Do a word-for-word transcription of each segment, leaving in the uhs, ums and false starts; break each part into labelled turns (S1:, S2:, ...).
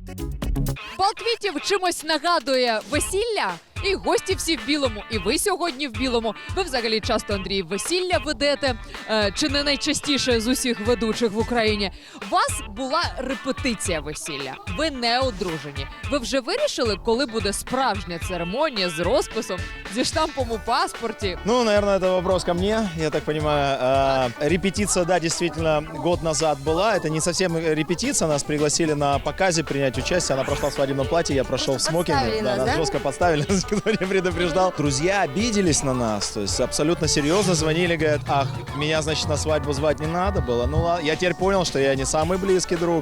S1: Бал квітів чимось нагадує весілля. І гості всі в білому, і ви сьогодні в білому. Ви взагалі часто, Андрій, весілля ведете, е, чи не найчастіше з усіх ведучих в Україні. У вас була репетиція весілля, ви не одружені. Ви вже вирішили, коли буде справжня церемонія з розписом, зі штампом у паспорті?
S2: Ну, наверное, это вопрос ко мне, я так понимаю. А, репетиция, да, действительно, год назад была. Это не совсем репетиция, нас пригласили на показе принять участие. Она прошла в свадебном платье, я прошел в смокинге. Да, нас
S3: да?
S2: жестко подставили, нас никто не предупреждал. Друзья обиделись на нас, то есть абсолютно серьезно звонили, говорят, ах, меня, значит, на свадьбу звать не надо было. Ну, ладно, я теперь понял, что я не самый близкий друг.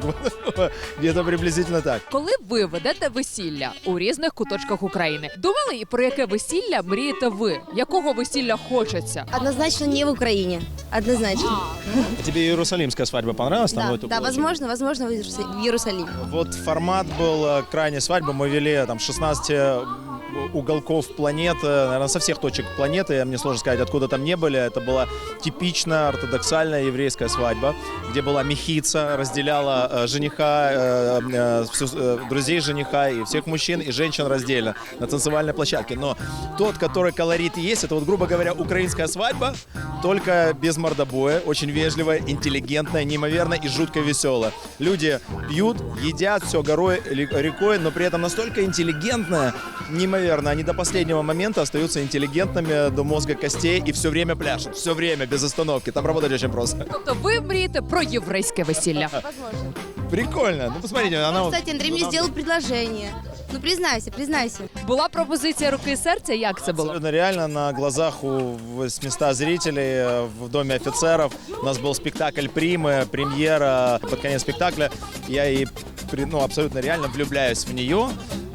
S2: Где-то приблизительно так.
S1: Коли ви ведете весілля у різних куточках України, думали, і про яке весілля мрієте ви? Якого весілля хочеться?
S3: Однозначно не в Украине. Однозначно.
S2: А тебе иерусалимская свадьба понравилась? Там,
S3: Да,
S2: ну, это
S3: да,
S2: было очень-
S3: возможно, возможно, в Иерусалим- в Иерусалиме.
S2: Вот формат был э, крайней свадьбы. Мы вели там шестнадцать уголков планеты, наверное, со всех точек планеты. Мне сложно сказать, откуда там не были. Это была типичная ортодоксальная еврейская свадьба, где была мехица, разделяла э, жениха, э, э, всю, э, друзей жениха и всех мужчин и женщин раздельно на танцевальной площадке. Но тот, который колорит есть, это вот, грубо говоря, украинская свадьба, только без мордобоя, очень вежливая, интеллигентная, неимоверно и жутко веселая. Люди пьют, едят, все горой, рекой, но при этом настолько интеллигентная, неимоверно. Они до последнего момента остаются интеллигентными до мозга костей и все время пляшут, все время, без остановки. Там работать очень просто.
S1: Тобто ви мрієте про єврейське весілля?
S3: Возможно.
S2: Прикольно. Ну, посмотрите, она...
S3: Кстати, Андрей мне сделал предложение. Ну, признайся, признайся.
S1: Була пропозиція руки і серця? Як це було?
S2: Абсолютно реально, на глазах у восьмисот зрителей э, в Доме офицеров. У нас был спектакль «Примы», премьера. Под конец спектакля я и, при- ну, абсолютно реально влюбляюсь в нее.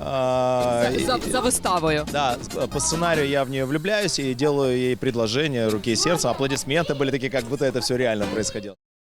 S2: А, и-
S1: За, за виставою.
S2: Да, с- по сценарию я в нее влюбляюсь и делаю ей предложение руки и сердца. Аплодисменты были такие, как будто это все реально происходило.